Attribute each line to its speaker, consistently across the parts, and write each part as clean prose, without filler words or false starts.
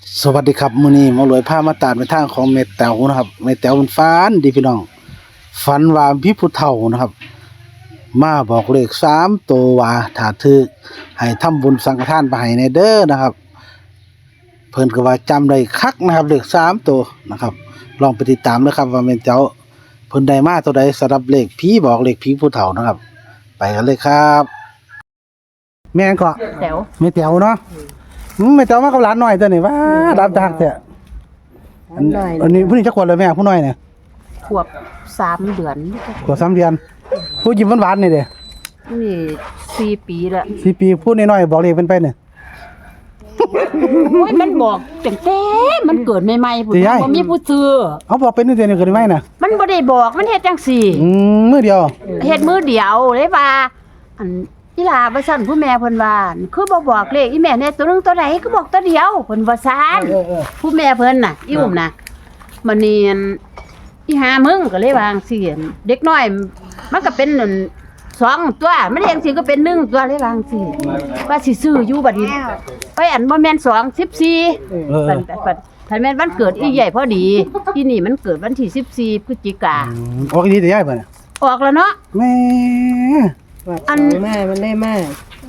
Speaker 1: สวัสดีครับมื้อนี้หมารวยพามาตามในทางของแม่แต๋วนะครับแม่แต๋วมันฝันดีพี่น้องฝันว่ามีผู้เฒ่านะครับมาบอกเลข3ตัวว่าถ้าถูกให้ทำบุญสังฆทานไปให้แน่เด้อนะครับเพิ่นก็ว่าจำได้คักนะครับเลข3ตัวนะครับลองไปติดตามนะครับว่าแม่แต๋วเพิ่นได้มาตัวใดสำหรับเลขผีบอกเลขผีผู้เฒ่านะครับไปกันเลยครับแม่นก็
Speaker 2: แต๋ว
Speaker 1: แม่แต๋วเนาะแม่แต๋วมากับหลานน้อยตัวนี้ว้ารับจากแท้อันนี้ผู้นี้จักขวบเลยแม่ผู้น้อยเนี่ย
Speaker 2: ขวบ3 เดือน
Speaker 1: ขวบ3 เดือนผู้ยิ้มหวานๆนี่เด้
Speaker 2: นี่4 ปีแล้ว
Speaker 1: 4 ปีผู้น้อยๆบอกเลขเป็นไปเนี่ย
Speaker 2: โอ้ยมันบอกตั้งแต่มันเกิดใหม่ๆพุ่น
Speaker 1: สิยาย
Speaker 2: บ่มีผู้ซื้อ
Speaker 1: เอาบอกเป็นนี่เดือนนี้เกิดได้ไหมน่ะ
Speaker 2: มันบ่ได้บอกมันเฮ็ดจังซี่
Speaker 1: มื้อเดียว
Speaker 2: เฮ็ดมือเดียวเลยว่าอันอีหลาว่าซั่นผู้แม่เพิ่นว่าคือบ่บอกเลขอีแม่เนี่ยตัวนึงตัวใดก็บอกตัวเดียวเพิ่นว่าซั่นผู้แม่เพิ่นน่ะอีอุ้มน่ะมันนี่อันอีหามึงก็เลยวาจั่งซี่เด็กน้อยมันก็เป็นนั่น2 ตัวมันเองสิก็เป็น1 ตัวเลยวาจั่งซี่ว่าสิซื้ออยู่บัดนี้ไปอันบ่แม่น2 14ถ้าแม่นวันเกิดอีใหญ่พอดีที่นี่มันเกิดวันที่14พฤศจิกา
Speaker 1: ออกอีนี่ได้ยายบ่เนี่ย
Speaker 2: ออกแล้วเนาะ
Speaker 1: แม่
Speaker 2: อัน
Speaker 3: แม่มันได้มาก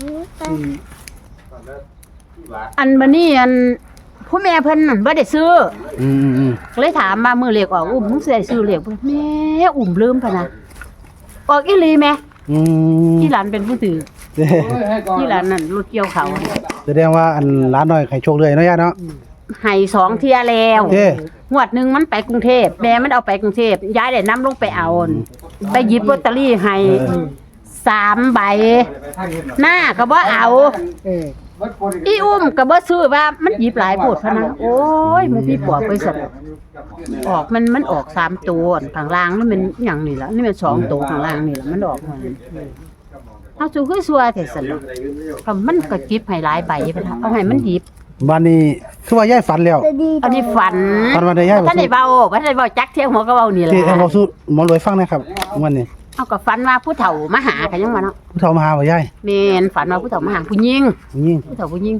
Speaker 2: อันบัดนี้อันผู้แม่เพิ่นนั่นบ่ได้ซื้อ
Speaker 1: อืม
Speaker 2: เลยถามมามื้อเลขออกอุ้มมึงสิได้ซื้อเลขบ่แม่อุ้มลืมพะนะออกอีหลีแม่
Speaker 1: ๆ
Speaker 2: ที่หลานเป็นผู้ถือ
Speaker 1: เด้
Speaker 2: ที่หลานนั่นรถเกี่ยวเขา
Speaker 1: แสดงว่าอันหลานน้อยให้โชคเลยเนาะยายเนาะ
Speaker 2: ให้2 เที่ยแล้ว
Speaker 1: เด้
Speaker 2: งวดหนึงมันไปกรุงเทพแม่มันเอาไปกรุงเทพยายได้นำลงไปเอาไปหยิบลอตเตอรี่ให้3 ใบหน้าก็บ่เอา
Speaker 3: เออ
Speaker 2: อีอุ้มก็บ่ซื้อว่ามันหยิบหลายโพดพะนะโอ้ยมันพี่ปอบไปสั่นออกมันออก3 ตัวข้างล่างนี่มันหยังนี่ล่ะนี่มัน2 ตัวข้างล่างนี่ล่ะมันออกมาเอาสู้คือซัวแต่สั่นเนาะก็มันก็จิบให้หลายใบไปละเอาให้มันหยิบ
Speaker 1: บ้านนี้คือว่ายายฝันแล้ว
Speaker 2: อันนี้ฝัน
Speaker 1: ฝันว่าได้ยาย
Speaker 2: ท่านได้เว้าจักเที่ยงหัวก็เว้านี่ล่ะ
Speaker 1: ที่เอาบอกสู้หมอรวยฟังนะครับวันนี้
Speaker 2: เอาก็ฝันว่าผู้เฒ่ามาหากันยังว่าเนาะ
Speaker 1: ผู้เฒ่ามาหาบ่ยาย
Speaker 2: แม่นฝันว่าผู้เฒ่ามาหาผู้หญิง
Speaker 1: ยิ่ง
Speaker 2: ผู้เฒ่าผู้หญิง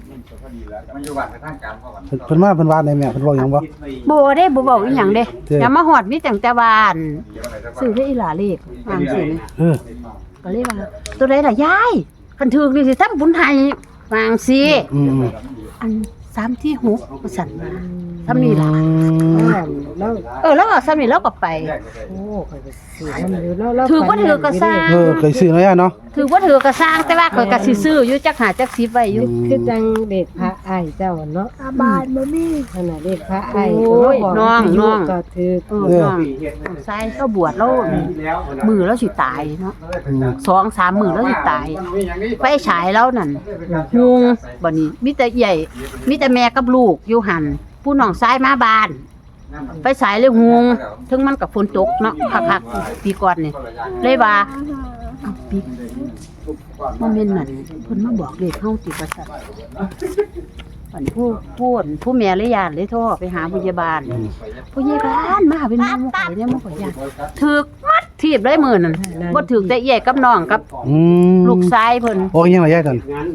Speaker 1: เพิ่นมาเพิ่นว่าได้แม่เพิ่นบอกหยังบ่
Speaker 2: บ่ได้บ่เว้าอีหยังเด้
Speaker 1: เด้
Speaker 2: อย่ามาฮอดมีตั้งแต่บ้านซื้อได้อีหลาเลขวางสิ
Speaker 1: เออ
Speaker 2: ก็เลยว่าตัวใดล่ะยายคันถูกนี่สิทำบุญให้วางสิ
Speaker 1: อืม
Speaker 2: อัน3ที่6ว่าซั่นว่าซ้ำนี่ล่ะ
Speaker 3: แล้ว
Speaker 2: แล้วก็ซ้ำนี่แล้วก็ไป
Speaker 3: โอ้ข่อยก็สิมันอยู่แล้ว
Speaker 2: ถือว่าถือก็สร้าง
Speaker 1: เคยซื้อเนาะยายเนาะ
Speaker 2: ถือว่าถือก็สร้างแต่ว่าข่อยก็สิซื้ออยู่จัก5จัก10ไว้อยู่
Speaker 3: คือจังเด็กพระไอ้ายเจ้าเนาะบานบ่มีขนาดเด็กพระไอ้าย
Speaker 2: โอ้ยน้อง
Speaker 3: ก็ถือ
Speaker 2: น้องใส่ก็บวชแล้วมือแล้วสิตายเนาะ 2-3 มื้อแล้วสิตายไฟฉายแล้วนั่นฮุงบัดนี้มีแต่ใหญ่มีแต่แม่กับลูกอยู่หั่นผู้น้องชายมาบ้านไฟฉายเลยฮุงถึงมันกับฝนตกเนาะคักๆปีก่อนนี่เลยว่าเอาปีบ่แม่นนั่นเพิ่นมาบอกเลขเฮาติว่าซั่นอันผู้แม่เลยย่านเลยโทรไปหาพยาบาลพยาบาลมาเป็นหมู่ข่อยเนี่ยหมู่ข่อยย่านถึกมัดทีบเลยมื้อนั้นบ่ถึกแต่เอี้ยกับน้องกับ ลูกชายเพิ่น
Speaker 1: โอ้ยยังไงยายตอน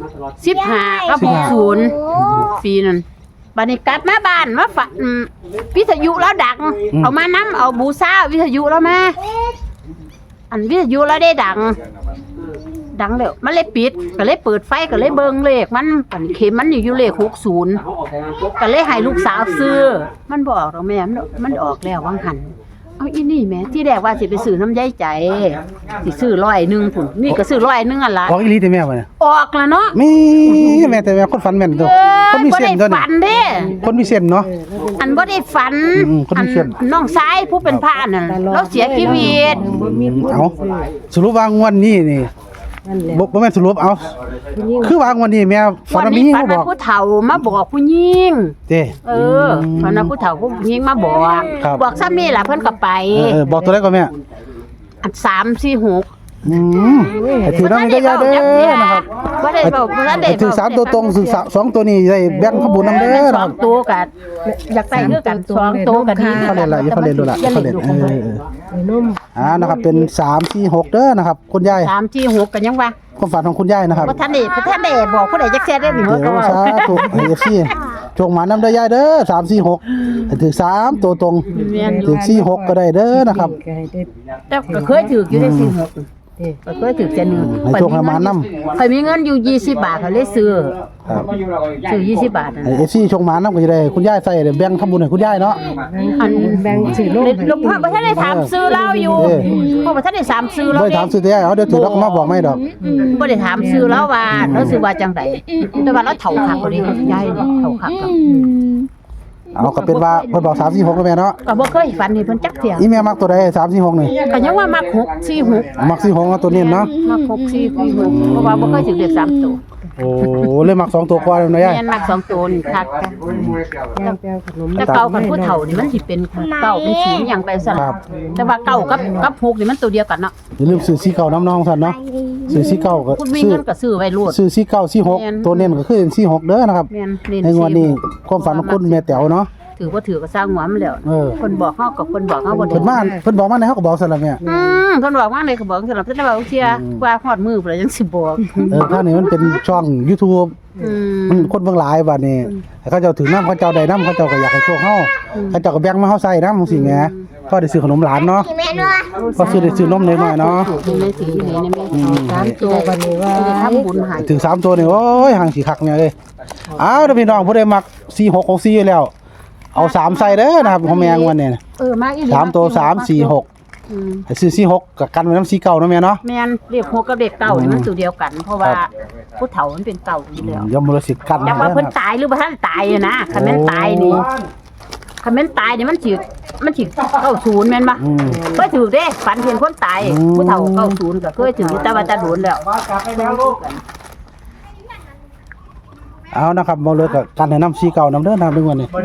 Speaker 2: 15กับ60ปีนั้นบัดนี้กลับมาบ้านมาฝันวิทยุแล้วดังเอามานำเอาบูชาวิทยุแล้วมาอันวิทยุแล้วได้ดังแล้วมันเลยปิดก็เลยเปิดไฟก็เลยเบิ่งเลขมันปันเข็มมันอยู่เลข60ก็เลยให้ลูกสาวซื้อมันบ่ออกดอกแม่มันออกแล้ววังหันเอาอีนี่แม่ที่แรกว่าสิไปซื้อน้ำยายใจสิซื้อ100พุ่นนี่ก็ซื้อ100อันละ
Speaker 1: ออกอีหลีแต่แม่บ่เนี่ย
Speaker 2: ออกแล้วเนาะ
Speaker 1: แม่แต่แม่คนฝันแม่นตัวคนมี
Speaker 2: บ่
Speaker 1: เส้
Speaker 2: ได้
Speaker 1: นตัวนี้
Speaker 2: ฝันเด้
Speaker 1: คนมีเส้นเนาะ
Speaker 2: อันบ่ได้ฝัน
Speaker 1: คนมีเส้น
Speaker 2: น้องชายผู้เป็นพระนั่นเราเสียชีวิต
Speaker 1: เอาสรุปว่างวดนี้นี่
Speaker 3: นั่นแหละ
Speaker 1: บ่แม่นสรุปเอาคือว่างวดนี้แม่ฝัน
Speaker 2: วัน
Speaker 1: ว่ามี
Speaker 2: นี้
Speaker 1: หญิง
Speaker 2: ฝัน
Speaker 1: มาบ
Speaker 2: ว่า
Speaker 1: อก
Speaker 2: ผู้เฒ่ามาบอกผู้หญิง
Speaker 1: เด้
Speaker 2: ฝันว่าผู้เฒ่าผู้หญิงมาบอก
Speaker 1: ครับ
Speaker 2: บอกซ้ำนี่ล่ะเพิ่นก็ไป
Speaker 1: บอกตัวเลขก่อนแม่
Speaker 2: อัน3 4 6
Speaker 1: ให้ถือน้ำได้ยาเด้อนะครับ
Speaker 2: บ่ได้เว้าบ่ได้
Speaker 1: ให้ถือ3ตัวตรงถือ2ตัวนี้ได้แบ่งขบุญนำเด้อ
Speaker 2: ส
Speaker 1: นะค
Speaker 2: อ
Speaker 1: รั
Speaker 2: ง
Speaker 1: บ
Speaker 2: ตัวก็อยากใส่คือกัน2โตวก็ดี
Speaker 1: เขาเล่นละอย่าเขาเล่นดูละ
Speaker 2: อย่า
Speaker 1: เขา
Speaker 2: เล่
Speaker 1: เล่
Speaker 2: น
Speaker 1: น
Speaker 2: ดู
Speaker 3: นุ่ม
Speaker 1: นะครับเป็น3 4 6เด้อนะครับคุณยาย
Speaker 2: 3 4 6กันยังว่า
Speaker 1: ความฝันของคุณยายนะครับ
Speaker 2: บ่ทันได้บอกผู้ใดจักแซ่ได้นี่
Speaker 1: เดี๋ยว
Speaker 2: ก็ว่า
Speaker 1: สาธุFC จงหมานำเด้อยายเด้อ3 4 6ให้ถึง3ตัวตรง
Speaker 2: แม่นอยู่
Speaker 1: ถึง4 6ก็ได้เด้อนะครับ
Speaker 3: ก็ให้ได้
Speaker 2: แต่ก็เคยถืออยู่ได้46
Speaker 3: เด้
Speaker 2: ก็เคยถือเส้นหนึง
Speaker 1: ให้โชคให้หมานำ
Speaker 2: ข่อยมีเงินอยู่20บาทก็เลยซื้อ
Speaker 1: ครับ
Speaker 2: ซื้อ20บาทนั่น
Speaker 1: ให้ FC ชงหมานำก็จะได้คุณยายใส่แบ่งทำบุญให้คุณยายเนาะ
Speaker 2: อัน
Speaker 3: แบ่งซื้อลง
Speaker 2: หลวงพ่อบ่ทันได้ถามซื้อเราอยู่พ่อบ่ทันได้ถามซื้อเรา
Speaker 1: บ่ได้ถามซื้อแต่ยายเอาเดี๋ยวถือแล้วก็มาบอกไม่ดอก
Speaker 2: บ่ได้ถามซื้อเราว่าเราซื้อว่าจังไดแต่ว่าเราเฒ่าคักบ่ได้ยายนี่เฒ่าคักก็
Speaker 1: เอาก็เป็นว่าเพิ่นบอก3 4 6แล้วแม่เนาะ
Speaker 2: ก็บ่เคยฝันเห็นเพิ่นจักเที่ย
Speaker 1: อีแม่มักตัวใด3 4 6นี่
Speaker 2: ก็ยังว่ามัก6 4 6
Speaker 1: มัก4 6เอาตัวนี้เนาะ
Speaker 2: มัก6 4 4 6เพราะว่าบ่เคยถือเลข3ตัว
Speaker 1: โอ้เลยมัก2ตัวกว่าเลยนะยาย
Speaker 2: แม่นมัก2ตัวนี่คักจ้ะ
Speaker 3: ย่างแปลงขนม
Speaker 2: แต่เก่ากับผู้เฒ่านี่มันสิเป็นเก่าเป็นศูนย์หยังไปซั่น
Speaker 1: ครับ
Speaker 2: แต่ว่าเก่ากับ6นี่มันตัวเดียวกันเนาะ
Speaker 1: อย่าลืมซื้อ4 9น้ำน้องซั่นเนาะซื้อ4 9ก็
Speaker 2: คุณมี
Speaker 1: ซื้อ
Speaker 2: เงินก็ซื้อไว้โลด
Speaker 1: ซื้อ4 9 4 6ตัวเน้นก็คือ4 6เด้อนะครับ
Speaker 2: แม่นเน้น
Speaker 1: ในงวดนี้ความฝันของคุณแม่แต๋วเนาะ
Speaker 2: ถือบ่ถือก็สร้างหัวมันแล้ว
Speaker 1: เออ
Speaker 2: คนบอกเฮากับคนบอกเฮาบ่ได้
Speaker 1: เพิ่นบอกมาในเฮาก็บอกซั่นล่ะแม่
Speaker 2: เพิ่นบอกว่าเลยก็บอกสำหรับแต่ว่าเที่ยว่าฮอดมือพุ่นแล้วจังสิบอก
Speaker 1: ถ้านี่มันเป็นช่อง YouTube มันคนเบิ่งหลายบัดนี้เขาเจ้าถือน้ำเขาเจ้าได้น้ำเขาเจ้าก็อยากให้โชคเฮาเขาเจ้าก็แบ่งมาเฮาใส่น้ำจังซี่แหมพอได้ซื้อขนมหลานเนาะพอซื้อได้ซื้อนมน้อยๆเนาะ
Speaker 2: อยู่ในสีนี่ในแม่
Speaker 3: 3ตัวบัดนี้ว่า
Speaker 2: จะทำบุญให้
Speaker 1: ถึง3ตัวนี่โอ้ยห่างสิคักเนี่ยเอ้ยอ้าวเด้อพี่น้องผู้ใดมัก4 6 6 4อยู่แล้วเอา3ใส่เด้อนะครับของแมงวันนี้
Speaker 2: มาอี
Speaker 1: 3ตัว3 4 6ให้ซื้อ4 6กับกันไว้นำ4 9เนาะแม่เนาะ
Speaker 2: แม่นเรียก6กับเด็กเก่านี่มันตัวเดียวกัน เพราะว่าผู้เฒ่ามันเป็นเก่าอยู่แล้ว
Speaker 1: ยมรสิกัน
Speaker 2: จักว่าเพิ่นตายหรือบ่ทันตายนะคันแม่นตายนี่คันแม่นตายนี่มันสิ90แม่นบ่เคยถือเด้ฝันเห็นคนตายผู้เฒ่า90ก็เคยถือแต่ว่าจะโดนแล้ว
Speaker 1: เอานะครับบ่เลยกับกันให้นำ4 9นำเด้อนะครับในวันนี้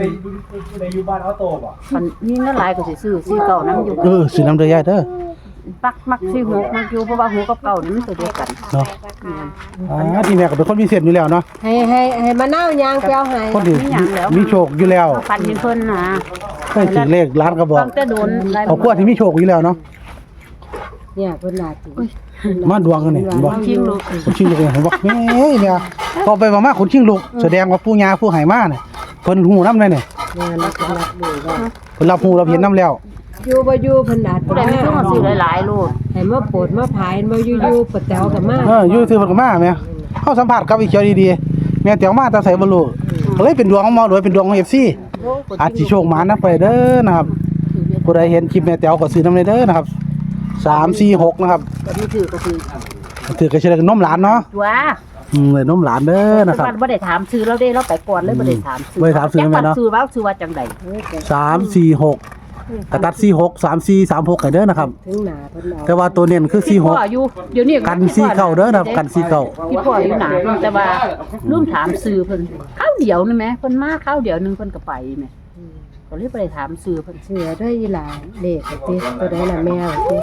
Speaker 2: มันมีเงินหลายก็สิซื้อ4 9นำอยู่
Speaker 1: ซื้อนำเด้อยายเด้อ
Speaker 2: มัก4 6มักอยู่เพราะว่า6กับ9นี่มันตัวเดียวกัน
Speaker 1: เนาะที่แม่ก็เป็นคนมีเส้นอยู่แล้วเนาะ
Speaker 3: ให้มะนาวยางแปลวให้
Speaker 1: คนที่มีโชคอยู่แล้ว
Speaker 2: ฝันเห็นเพิ่นนะ
Speaker 1: เคยถึงเลขล้านก็บอก
Speaker 2: ตั้งแต่โดน
Speaker 1: เอากลัวที่มีโชคอยู่แล้วเนาะ
Speaker 3: เนี่ยเพิ่นน่าสิ
Speaker 1: มาดวงกันนี่บ่
Speaker 2: ชิงลูก
Speaker 1: คนชิงลูกเนี่ยบอกแม่เนี่ยพอไปมาคนชิงลูกแสดงว่าปู่ย่าผู้ให้มาเนี่ยเพิ่นฮู้นำเลยเนี่ย
Speaker 3: แม่นักรักดูว่า
Speaker 1: เพิ่นรับฮู้รับเห็นนำแล้ว
Speaker 3: อยู่บ่อยู่เพิ่นน่า
Speaker 2: ผู้ใดมีเครื่องซื้อหลายๆลูก
Speaker 3: ให้มาโปรดมาผายมาอยู่ๆปะแตวก็มา
Speaker 1: อยู่ซื่อเพิ่นก็มาแม่เฮาสัมภาษณ์กับอีเขียวดีๆแม่เตียวมาแต่ไสบ่รู้ก็เลยเป็นดวงของหมอรวยเป็นดวงของ FC อาจสิโชคหมานำไปเด้อนะครับผู้ใดเห็นคลิปแม่เตียวก็ซื้อนำเด้อนะครับ3 4 6นะครับ
Speaker 2: ก็มีถือก็คือ
Speaker 1: ถือก็สิได้นมหลานเนาะ
Speaker 2: ว่า
Speaker 1: เลยนมหลานเด้อนะครับ
Speaker 2: บ่ได้ถามซื้อเราได้เราไปก่อนเลยบ่ได้ถามซื้
Speaker 1: บ่ได้ถามซื้อแม่เนาะ
Speaker 2: ซื้อว่าจังได๋
Speaker 1: 3 4 6กระตัด4 6 3 4 3 6กันเด้อนะครับ
Speaker 3: ถึงหน้าเพิ่นเอา
Speaker 1: แต่ว่าตัวเน้นคือ
Speaker 2: พี่
Speaker 1: 4
Speaker 2: พ่อ
Speaker 1: 6
Speaker 2: อยู่เดี๋ยวนี้
Speaker 1: กัน4เก้าเด้อนะครับกัน4เก้า
Speaker 2: พี่พ่ออยู่หนาแต่ว่าลืมถามซื้อเพิ่นข้าวเดียวนี่แหมเพิ่นมาข้าวเดียวนึงเพิ่นก็ไปแหมก็เลยบ่ได้ถามซื้อเพิ่น
Speaker 3: เสือได้อีหลาเลขติตัวใดล่ะแมวติ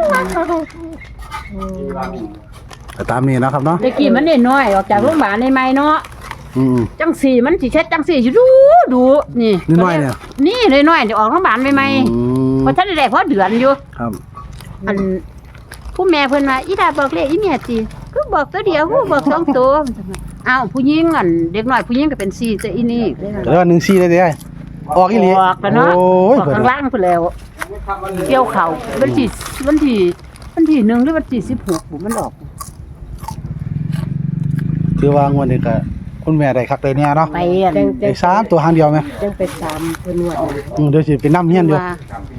Speaker 1: ก็ตามนี้นะครับเนาะ
Speaker 2: แต่กี้มันน้อยๆออกจากโรงพยาบาลใหม่ๆเนาะ
Speaker 1: อืม
Speaker 2: จังสี่มันสิเช็ดจังสี่อยู่ดูนี่
Speaker 1: น้อยๆเนี่ย
Speaker 2: นี่น้อยๆเดี๋ยวออกโรงพยาบาลใหม่
Speaker 1: อืม
Speaker 2: ๆเพราะท่านได้พอเดือนอยู่
Speaker 1: ครับ
Speaker 2: อันผู้แม่เพิ่นว่าอีดาบอกเลขอีแม่ติคือบอกตัวเดียวคือบอกสองตัวอ้าวผู้หญิงอันเด็กน้อยผู้หญิงก็เป็น4แต่อีนี่
Speaker 1: ก็เลยว่า1 4ได้เด้อออกอีหลี
Speaker 2: ออกแล้วเนาะ
Speaker 1: โอ้
Speaker 2: อย อกข้างล่างพุ่นแล้วเกี่ยวเข่าวันที่1หรือวันที่16บุมันออก
Speaker 1: ถือว่างวดนี้ก็คุณแม่ได้คักได้แน่เนาะ
Speaker 2: ไปอัน
Speaker 3: จัง
Speaker 1: ได้3ตัวหางเดียวไหม
Speaker 3: จังไปตามเพิ่นว่า
Speaker 1: เดี๋ยวสิไปนำเฮียนอยู่
Speaker 2: ว่า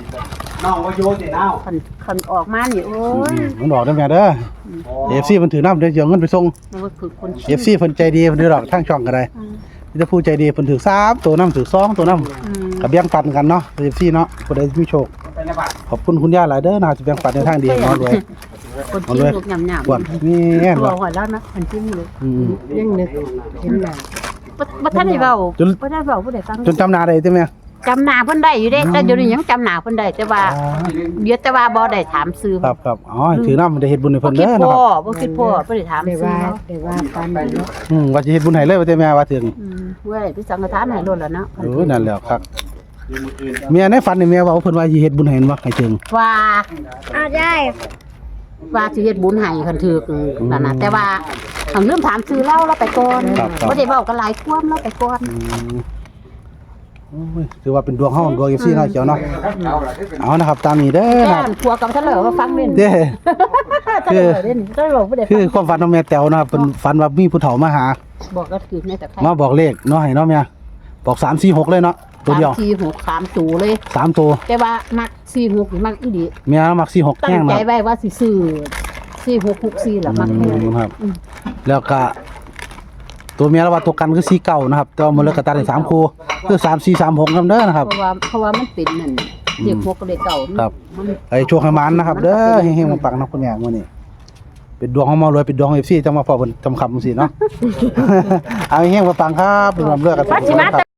Speaker 2: คันออกมานี่โอ้ย
Speaker 1: มันออกได้แม่เด้อ FC มันถือนำเดี๋ยวสิเอาเงินไปส่ง
Speaker 2: มันก็คือคน
Speaker 1: FC เพิ่นใจดีเพิ่นได้ดอกทางช่องก็ได้มีแต่ผู้ใจดีเพิ่นถือ3ตัวนำถือ2ตัวนำก็แบ่งปันกันเนาะ FC เนาะผู้ใดมีโชคขอบคุณคุณย่าหลายเด้อนะที่แบ่งปันในทางดีเนาะด้วย
Speaker 2: คนที่ลูกหยำๆ
Speaker 1: กวดนี่แน่น
Speaker 2: ตัว
Speaker 1: ว่ะ
Speaker 2: หัวแล้วนะคนที่ลูก
Speaker 3: ยังนึกเห็นหน้า
Speaker 2: บ่ทันได้เว้า
Speaker 1: จน
Speaker 2: บ่ทันเว้าผู้ใดฟัง
Speaker 1: จนจำหน้าได้ใช่ไหม
Speaker 2: จำหน้าเพิ่นได้อยู่เด้แต่เดี๋ยวนี้ยังจำหน้าเพิ่นได้แต่ว่า
Speaker 1: อ๋อ
Speaker 2: เดี๋ยวแต่ว่าบ่ได้ถามซื้อ
Speaker 1: ครับครับอ๋อถือน้ำได้เฮ็ดบุญให้
Speaker 2: บ่
Speaker 1: เพิ่น
Speaker 2: คิ
Speaker 1: เด้
Speaker 2: ด
Speaker 1: อนะ
Speaker 2: พ่อ
Speaker 1: ครับ
Speaker 2: บ่คิดพ่อบ่ได้ถาม
Speaker 3: ได้
Speaker 2: ซื้อ
Speaker 3: ว่า
Speaker 2: เนาะ
Speaker 3: ได้ว่าปานนั้นเนาะ
Speaker 1: ว่าสิเฮ็ดบุญให้เลยว่าแต่แม่ว่าถึง
Speaker 2: เว้ยพี่สังฆทานให้โลดแล้วเนาะ
Speaker 1: นั่นแหละครับเมียในฝันนี่แม่ว่าเพิ่นว่าสิเฮ็ดบุญให้บ่ให้ถึง
Speaker 2: ว่า
Speaker 3: ได้
Speaker 2: ว่าสิเฮ็ดบุญให้คันถึกนั่นน่ะแต่ว่าเอาลืมถามซื้อเราไปก่อนบ่ได้เว้ากันหลายความเราไปก่อน
Speaker 1: โอ้ยถือว่าเป็นดวงเฮาดวง FC เนาะเขียวเนาะเอานะครับตามนี้เด้อ
Speaker 2: แก้
Speaker 1: นะครับ
Speaker 2: นผัวกับทะเลว่าฟังเล่น
Speaker 1: เด้
Speaker 2: ทะเลเล่นทะเลบ่ได้
Speaker 1: คือความฝันของแม่แต๋วนะครับเป็นฝันว่ามีผู้เฒ่ามาหา
Speaker 2: บอกก็คือในแต่ไทย
Speaker 1: มาบอกเลขเนาะให้เนาะแม่บอก3 4 6เลยเนาะตัวเดียว
Speaker 2: 3 4 6 3ตูเลย
Speaker 1: 3ตัว
Speaker 2: แต่ว่ามัก4 6นี่มักอีหลี
Speaker 1: แม่มัก4 6
Speaker 2: ตั้
Speaker 1: แห้
Speaker 2: ง
Speaker 1: ง
Speaker 2: ใจ
Speaker 1: นะ
Speaker 2: ไว้ว่าสิซื้อ4 6 6 4ล่ะมักแท้
Speaker 1: ครับ แล้วก็ตัวเมียแล้วว่าตัวกันคือ4 9นะครับแต่ว่ามันเลิกกระตัดได้3คู่คือ3 4 3 6นำเด้อนะครับ
Speaker 2: เพราะว่ามันเป็นนั่นเรียกพวกก็เลยเก่า
Speaker 1: ครับ
Speaker 2: มัน
Speaker 1: ไอ้โชคให้มันนะครับ เด้อเฮงๆปังๆนะคุณแม่มื้อนี้เป็นดวงของหมารวยเป็นดวงของ FC จังมาพอเพิ่นจำคำจังซี่เนาะ เอาเฮงๆปังๆครับเป็นความเลือกกัน
Speaker 2: ปัจฉิมา